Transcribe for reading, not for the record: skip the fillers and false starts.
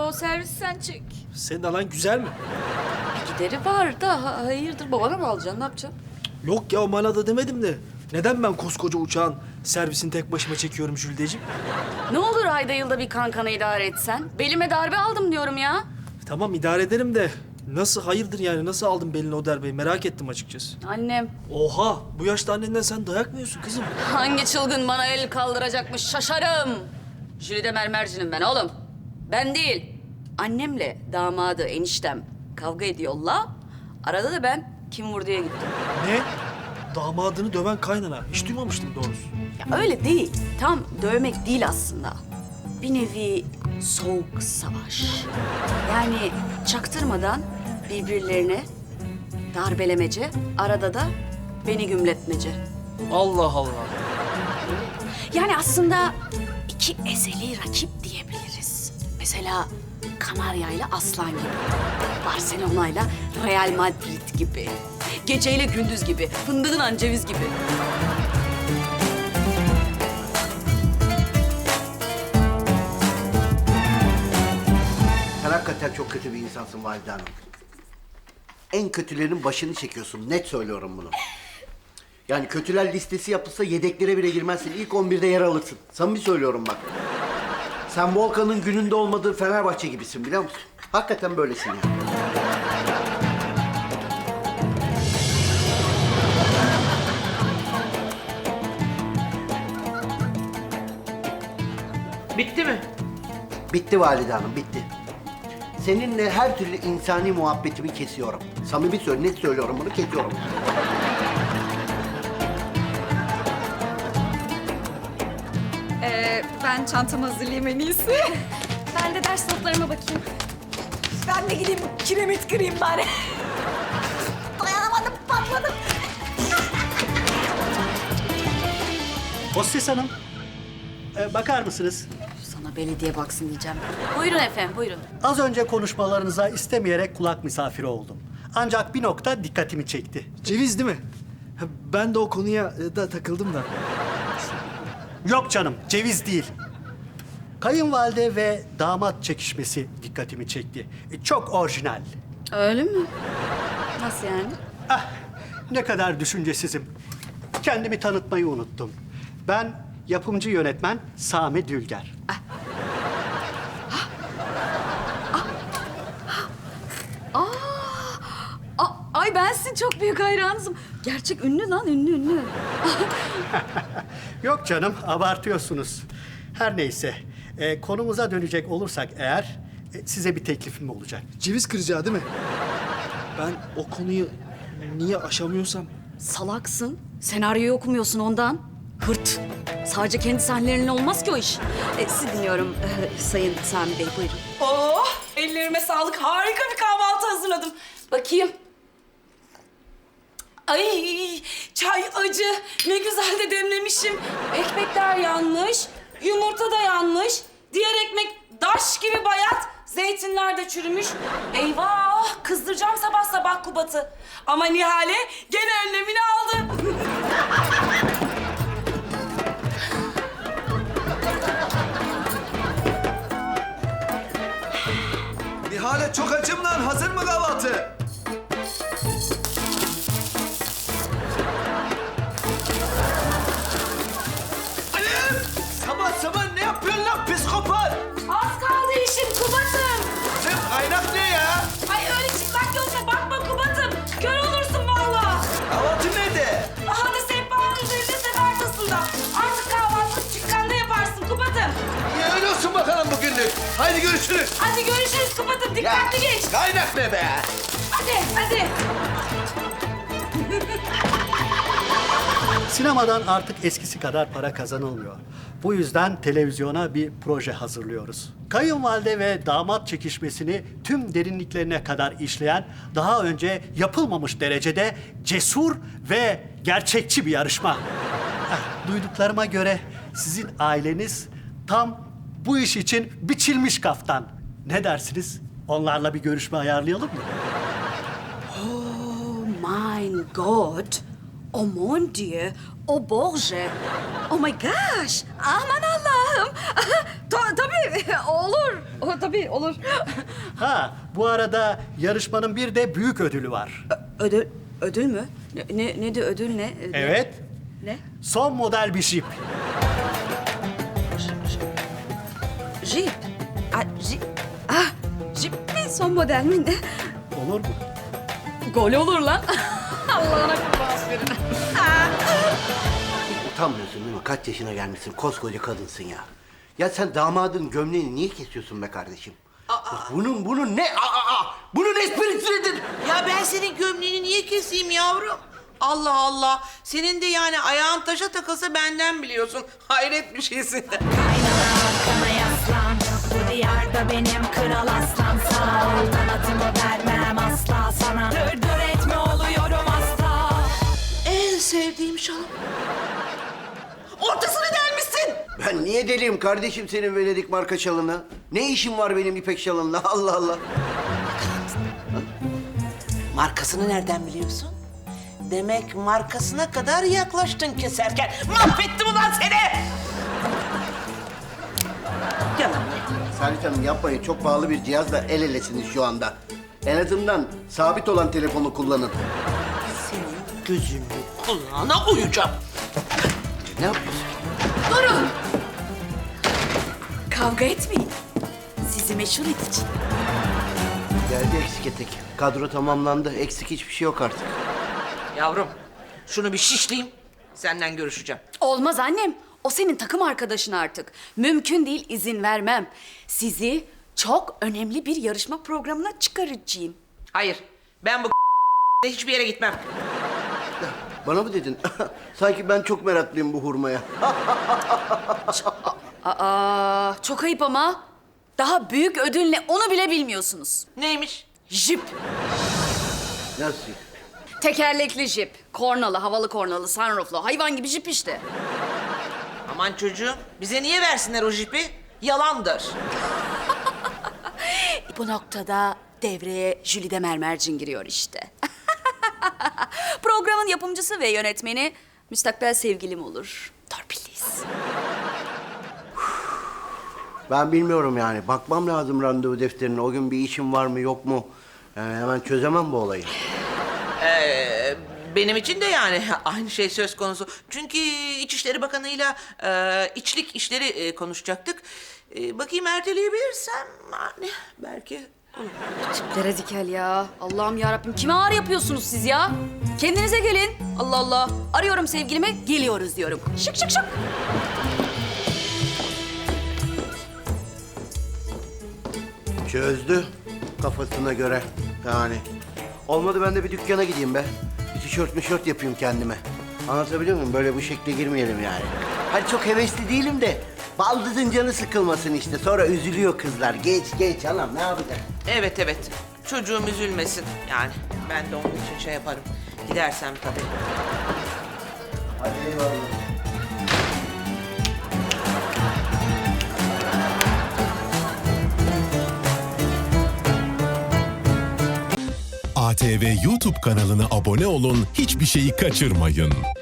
o servis sen çek. Senin alan güzel mi? Bir gideri var da hayırdır babana mı alacaksın ne yapacaksın? Yok ya o manada demedim de. Neden ben koskoca uçağın servisini tek başıma çekiyorum Jülideciğim? Ne olur ayda yılda bir kankana idare etsen. Belime darbe aldım diyorum ya. Tamam idare ederim de nasıl hayırdır yani nasıl aldın belini o darbeyi merak ettim açıkçası. Annem Oha bu yaşta annenden sen dayak mı yiyorsun kızım? hangi çılgın bana el kaldıracakmış şaşarım. Jülide mermercinim ben oğlum. Ben değil. Annemle damadı eniştem kavga ediyorlar. Arada da ben kim vurduya gittim. Ne? Damadını döven kaynana. Hiç duymamıştım doğrusu. Ya öyle değil. Tam dövmek değil aslında. Bir nevi soğuk savaş. Yani çaktırmadan birbirlerine darbelemece, arada da beni gümletmece. Allah Allah. Yani aslında iki ezeli rakip diyebiliriz. Mesela Kanarya ile Aslan gibi. Barcelona ile Real Madrid gibi. Geceyle gündüz gibi. Fındığın ceviz gibi. Sen hakikaten çok kötü bir insansın Valide Hanım. En kötülerin başını çekiyorsun. Net söylüyorum bunu. Yani kötüler listesi yapılsa yedeklere bile girmezsin. İlk 11'de yer alırsın. Samimi söylüyorum bak. Sen Volkan'ın gününde olmadığı Fenerbahçe gibisin biliyor musun? Hakikaten böylesin yani. Bitti mi? Bitti Valide Hanım, bitti. Seninle her türlü insani muhabbetimi kesiyorum. Samimi net söylüyorum bunu, kesiyorum. Ben çantamı hazırlayayım en iyisi. Ben de ders notlarıma bakayım. Ben de gideyim kiremit kırayım bari. Dayanamadım, patladım. Hostes Hanım, bakar mısınız? Sana belediye baksın diyeceğim. Buyurun efendim, buyurun. Az önce konuşmalarınıza istemeyerek kulak misafiri oldum. Ancak bir nokta dikkatimi çekti. Ceviz değil mi? Ha, ben de o konuya da takıldım da. Yok canım, ceviz değil. Kayınvalide ve damat çekişmesi dikkatimi çekti. Çok orijinal. Öyle mi? Nasıl yani? Ah, ne kadar düşüncesizim. Kendimi tanıtmayı unuttum. Ben yapımcı yönetmen Sami Dülger. Ay ben sizin çok büyük hayranınızım. Gerçek ünlü lan, ünlü. Yok canım, abartıyorsunuz. Her neyse, konumuza dönecek olursak eğer, size bir teklifim olacak. Ceviz kıracağı değil mi? Ben o konuyu niye aşamıyorsam... Salaksın. Senaryoyu okumuyorsun ondan. Hırt. Sadece kendi sahnelerinle olmaz ki o iş. Sizi dinliyorum Sayın Sami Bey, buyurun. Oh, ellerime sağlık. Harika bir kahvaltı hazırladım. Bakayım. Ay, çay acı. Ne güzel de demlemişim. Ekmekler yanmış, yumurta da yanmış. Diğer ekmek daş gibi bayat. Zeytinler de çürümüş. Eyvah, kızdıracağım sabah sabah Kubat'ı. Ama Nihale gene önlemini aldı. Nihale çok açım lan. Hazır mı kahvaltı? Annem! Sabah sabah ne yapıyorsun lan psikopat? Az kaldı işim Kubat'ım. Sen kaynak ne ya? Ay öyle çıplak gözle bakma Kubat'ım. Kör olursun vallahi. Kahvaltı nerede? Daha da sehpanın üzerinde sefer tasında. Artık kahvaltı dükkanda yaparsın Kubat'ım. İyi öyle olsun bakalım bugünlük. Haydi görüşürüz. Hadi görüşürüz Kubat'ım. Dikkatli geç. Kaynak ne be? Hadi, hadi. Sinemadan artık eskisi kadar para kazanılmıyor. Bu yüzden televizyona bir proje hazırlıyoruz. Kayınvalide ve damat çekişmesini tüm derinliklerine kadar işleyen, daha önce yapılmamış derecede cesur ve gerçekçi bir yarışma. Duyduklarıma göre sizin aileniz tam bu iş için biçilmiş kaftan. Ne dersiniz? Onlarla bir görüşme ayarlayalım mı? Oh my God. Oh mon Dieu. Oh Borge. Oh my gosh. Aman Allah. Allah'ım. Tabii olur. Tabii olur. Ha, bu arada yarışmanın bir de büyük ödülü var. Ödül mü? Ne de ödül ne? Evet, Ne? son model bir jip. Jeep. Jeep mi? Son model mi ne? Olur mu? Gol olur lan. Allah'ına kurban verin. Utanmıyorsun değil mi? Kaç yaşına gelmişsin, koskoca kadınsın ya. Ya sen damadın gömleğini niye kesiyorsun be kardeşim? Bunun ne? Bunun esprisi nedir? Ya ben senin gömleğini niye keseyim yavrum? Allah Allah. Senin de yani ayağın taşa takılsa benden biliyorsun. Hayret bir şeysin. Arkana yaslan, bu diyarda benim kral aslan. Sağ ol, kanatımı vermem asla sana. Dır etme oluyorum asla. En sevdiğim şalım. Ortasını delmişsin. Ben niye deliyim kardeşim senin Venedik marka şalına? Ne işim var benim ipek şalınla? Allah Allah. Markasını nereden biliyorsun? Demek markasına kadar yaklaştın keserken. Mahvettim ulan seni! Gel lan. Saadet Hanım yapmayın. Çok pahalı bir cihazla el elesiniz şu anda. En azından sabit olan telefonu kullanın. Senin gözünü kulağına uyacağım. Ne yapıyorsun? Durun. Kavga etmeyin. Sizi meşhur edeceğim. Geldi eksik etek. Kadro tamamlandı. Eksik hiçbir şey yok artık. Yavrum, şunu bir şişleyeyim. Senden görüşeceğim. Olmaz annem. O senin takım arkadaşın artık. Mümkün değil, izin vermem. Sizi çok önemli bir yarışma programına çıkaracağım. Hayır, ben bu hiçbir yere gitmem. Bana mı dedin? Sanki ben çok meraklıyım bu hurmaya. Aa, çok ayıp ama. Daha büyük ödül ne onu bile bilmiyorsunuz. Neymiş? Jip. Nasıl? Tekerlekli jip. Kornalı, havalı kornalı, sunrooflu. Hayvan gibi jip işte. Aman çocuğum, bize niye versinler o jipi? Yalandır. Bu noktada devreye Jülide Mermercin giriyor işte. Programın yapımcısı ve yönetmeni müstakbel sevgilim olur. Torpilliyiz. Ben bilmiyorum yani. Bakmam lazım randevu defterine. O gün bir işim var mı yok mu? Yani hemen çözemem bu olayı. Benim için de yani aynı şey söz konusu. Çünkü İçişleri Bakanı'yla içlik işleri konuşacaktık. Bakayım erteleyebilirsem yani belki olur. Tiplere dikel ya. Allah'ım yarabbim. Kime ağır yapıyorsunuz siz ya? Kendinize gelin. Allah Allah. Arıyorum sevgilime, geliyoruz diyorum. Şık şık şık. Çözdü kafasına göre yani. Olmadı ben de bir dükkana gideyim be. Bir tişört yapayım kendime. Anlatabiliyor muyum? Böyle bu şekle girmeyelim yani. Hani çok hevesli değilim de baldızın canı sıkılmasın işte. Sonra üzülüyor kızlar. Geç anam ne yapacak? Evet. Çocuğum üzülmesin yani. Ben de onun için şey yaparım. Gidersem tabii. Hadi eyvallah. ATV YouTube kanalına abone olun, hiçbir şeyi kaçırmayın.